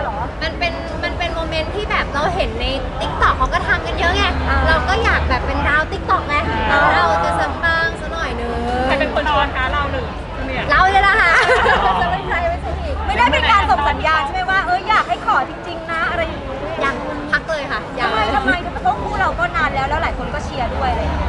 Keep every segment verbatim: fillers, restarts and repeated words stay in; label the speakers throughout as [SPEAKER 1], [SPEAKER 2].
[SPEAKER 1] เหรอ
[SPEAKER 2] มันเป็นมันเป็นโมเมนต์ที่แบบเราเห็นในติ๊กต็อกเขาก็ทำกันเยอะไงเราก็อยากแบบเป็นดาวติ๊กต็อกไงเราจะสัมปังสักหน่อยนึง
[SPEAKER 3] ใครเป็นคนชวนคะเราหรือ
[SPEAKER 2] เราเลยล่ะค่ะจะเป็นใครไม่ใช่อีก
[SPEAKER 1] ไม่ได้เป็นการส่งสัญญาณใช่ไหมว่าเอออยากให้ขอจริงๆนะอะไรอย่างนี้
[SPEAKER 2] ยังพักเลยค่ะ
[SPEAKER 1] ทำไมทำไมเพราะคู่เราก็นานแล้วแล้วหลายคนก็เชียร์ด้วยอะไรอย่างเงี้ย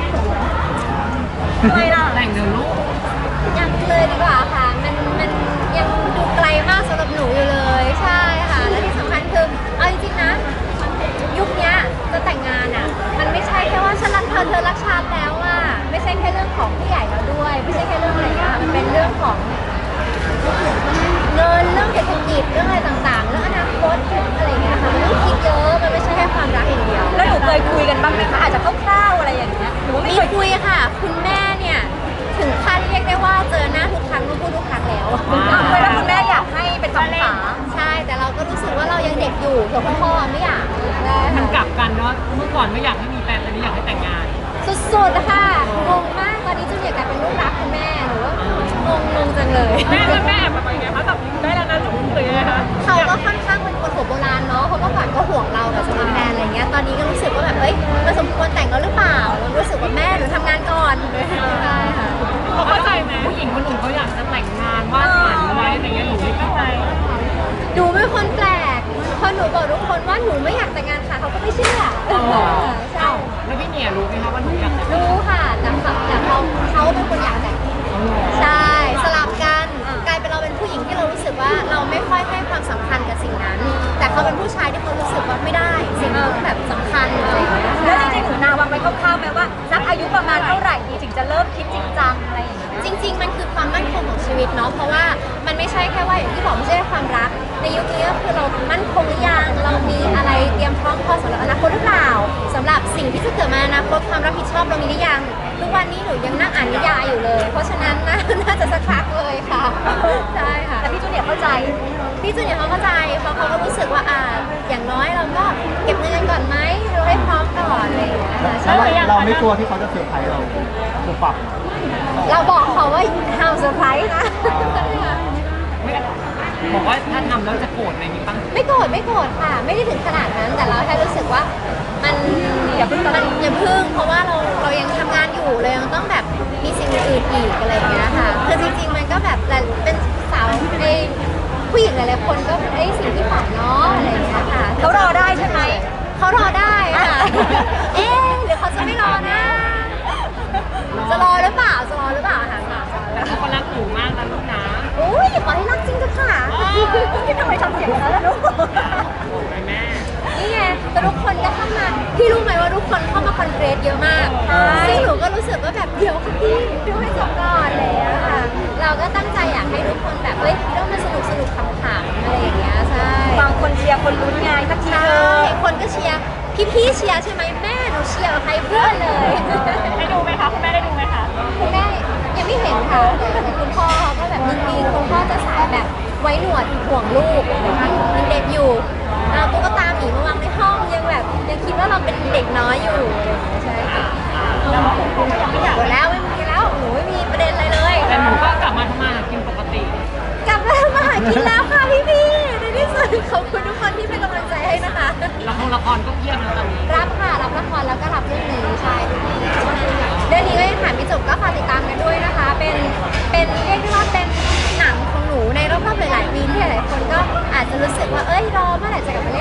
[SPEAKER 1] ทำไมล่ะ
[SPEAKER 3] แต่งเดี๋ยวลูก
[SPEAKER 2] ยังเลยดีกว่าค่ะมันมันยังดูไกลมากสำหรับหนูอยู่เลยใช่ค่ะและที่สำคัญคือเอาจริงๆนะยุคนี้จะแต่งงานอ่ะมันไม่ใช่แค่ว่าฉันรักเธอเธอรักฉันแล้วอ่ะไม่ใช่แค่เรื่องของผู้ใหญ่แล้วด้วยไม่ใช่แค่เรื่องอะไรอ่ะมันเป็นเรื่องของเงินเรื่องเศรษฐกิจเรื่องอะไรต่างๆเรื่องอนาคตเรื่องอะไรอย่างเงี้ยค่ะมันคิดเยอะมันไม่ใช่แค่ความรักอย่างเดียว
[SPEAKER 1] แล้วหนูเคยคุยกันบ้างไหมคะอาจจะคร่าวๆอะไรอย่างเงี้ยหนูไม่เคย
[SPEAKER 2] คุยค่ะคุณแม่เนี่ยถึงขั้นเรียกได้ว่าเจอหน้าทุกครั้งต้องพูดทุกครั้งแล้ว
[SPEAKER 1] เคยแล้วคุณแม่อยากให้เป็นคำถาม
[SPEAKER 2] ใช่แต่เราก็รู้สึกว่าเรายังเด็กอยู่ส่วนพ่อไม่อยาก
[SPEAKER 3] มันกลับกันเนาะเมื่อก่อนไม่อยากให้มีแฟนตอนนี้อยากให้แต่งงาน
[SPEAKER 2] สุดๆค่ะงงมากตอนนี้จูเนียร์กลายเป็นลูกรักคุณแม่หนูว่างงงงจังเลย
[SPEAKER 3] แม่แม่แบบยังไงคะแบบได้แล้วนะหนูหรือยังไงคะ
[SPEAKER 2] เขาก็ค่อนข้างเป็นคนหัวโบราณเนาะเขาก็ก่อนก็ห่วงเราแบบจะมีแฟนอะไรเงี้ยตอนนี้ก็รู้สึกว่าแบบเอ้ยมันสมควรแต่งแล้วหรือเปล่าเรารู้สึกว่าแม่หนูทำงานก่อนใช่ค่ะ
[SPEAKER 3] เขาเข้าใจไหมผู้หญิงคนอื่นเขาอยากจะแต่งงานวาดฝันไว้อะไรเงี้ยหนูไม่เข้าใจ
[SPEAKER 2] ดูเป็นคนแปลกพอหนูบอกทุกคนว่าหนูไม่อยากแต่งงานค่ะเขาก็ไม่เชื่อ
[SPEAKER 3] ใช่แล้วพี่เนี่ยรู้ไหมคะว่าหนูอยากแต่ง
[SPEAKER 2] รู้ค่ะแต่แต่เขาเขาเป็นคนอยากแต่งใช่สลับกันกลายเป็นเราเป็นผู้หญิงที่เรารู้สึกว่าเราไม่ค่อยให้ความสำคัญกับสิ่งนั้นแต่เขาเป็นผู้ชายที่เขารู้สึกว่าไม่ได้สิ่งนี้แบบสำคัญอะไรอย่างเงี้ย
[SPEAKER 1] แล้วจริงๆหนูนาวางไว้คร่าวๆไหมว่าสักอายุประมาณเท่าไหร่ดีถึงจะเริ่มคิดจริงจังอะไรอย่างเงี้ย
[SPEAKER 2] จริงๆมันคือความมั่นคงของชีวิตเนาะเพราะว่ามันไม่ใช่แค่ว่าอย่างที่บอกไม่ใช่ความรักในยุคนี้ก็คือเรามั่นคงหรือยังเรามีอะไรเตรียมพร้อมพอสำหรับอนาคตหรือเปล่าสำหรับสิ่งที่จะเกิดมาอนาคตความรับผิดชอบเรามีหรือยังทุกวันนี้หนูยังนั่งอ่านนิยายอยู่เลยเพราะฉะนั้นน่าน่าจะสักพักเลยค่ะใช่ค่ะ
[SPEAKER 1] แต่พี่จูเนียร์เข้าใจ
[SPEAKER 2] พี่จูเนียร์เขาเข้าใจเพราะเขาก็รู้สึกว่าอ่าอย่างน้อยเราก็เก็บเงินก่อนไหมเราให้พร้อมก่อนอะไรอย่างเงี้ยค่ะ
[SPEAKER 4] เราไม่กลัวที่เขาจะเซอร์ไพรส์เราคือฝัก
[SPEAKER 2] เราบอกเขาว่าห้ามเซอร์ไพรส์นะ
[SPEAKER 3] บอกว่าถ้าทำแล้วจะโกรธอะไรนี้บ้าง
[SPEAKER 2] ไม่โกรธไม่โกรธค่ะไม่ได้ถึงขนาดนั้นแต่เราแค่รู้สึกว่ามันอย่าเพิ่งมันอย่าเพิ่งเพราะว่าเราเรายังทำงานอยู่เรายังต้องแบบมีสิ่งอื่นอีกอะไรอย่างเงี้ยค่ะคือจริงๆมันก็แบบเป็นสาวในผู้หญิงหลายๆคนก็ไอ้สิ่งที่ฝันเนาะอะไรอย่างเงี้ยค่ะ
[SPEAKER 1] เขารอได้ใช่ไหม
[SPEAKER 2] เขารอได้ค่ะเอ๊ะหรือเขาจะไม่รอนะจะรอหรือเปล่าจะรอหรือเปล่าถามก่อน
[SPEAKER 3] แต่เขาก็รักหนูมากนะลูกนะ
[SPEAKER 2] อุ้ยขอให้รักจริงก็ค่ะ
[SPEAKER 1] ทำไมทำเสียงแล้วล่ะลูก
[SPEAKER 3] แม่
[SPEAKER 2] นี่ไงแต่ทุกคนก็เข้ามาพี่รู้ไหมว่าทุกคนเข้ามาคอนเกรสเยอะมากซึ่งหนูก็รู้สึกว่าแบบเดี๋ยวค่ะพี่ดูให้จบก่อนเลยอะค่ะเราก็ตั้งใจอยากให้ทุกคนแบบเฮ้ยต้องมาสนุกสนุกขำๆอะไรอย่างเงี้ยใช่
[SPEAKER 1] บางคนเชียร์คนลุ้นไงสักทีเถอะ
[SPEAKER 2] คนก็เชียร์พี่ๆเชียร์ใช่ไหมแม่หนูเชียร์ใครเพื่อนเลย
[SPEAKER 3] ได้ดูไหมคะคุณแม่ได้ดูไหมคะ
[SPEAKER 2] คุณแม่ยังไม่เห็นค่ะแต่คุณพ่อก็แบบนิ่งๆคุณพ่อจะสายแบบไว้หนวดห่วงลูกยังเด็กอยู่เอาตุ๊กตาหมีมาวางในห้องยังแบบยังคิดว่าเราเป็นเด็กน้อยอยู่ใช่ค่ะ
[SPEAKER 3] แล้วผมก็ยังไม่อยาก
[SPEAKER 2] แล้วไม่มีแล้วหนูไม่มีประเด็นอะไรเลย
[SPEAKER 3] แต่หนูก็กลับมาทำมาหากินปกติ
[SPEAKER 2] กลับมาทำมาหากินแล้วค่ะพี่ๆในที่สุดขอบคุณทุกคนที่เป็นกำลังใจให้นะคะ
[SPEAKER 3] ละครละครก็เพียบแล้วตอนนี้
[SPEAKER 2] รับค่ะรับละครแล้วก็รับเรื่องนี้ใช่เรื่องนี้ก็ยังถ่ายไม่จบก็ฝากติดตามกันด้วยนะคะเป็นเป็นเรียกได้ว่าเป็นหนังของหนูในรอบๆหลายๆปีที่หลายๆคนก็อาจจะรู้สึกว่าเอ้ยรอเมื่อไหร่จะกลับมา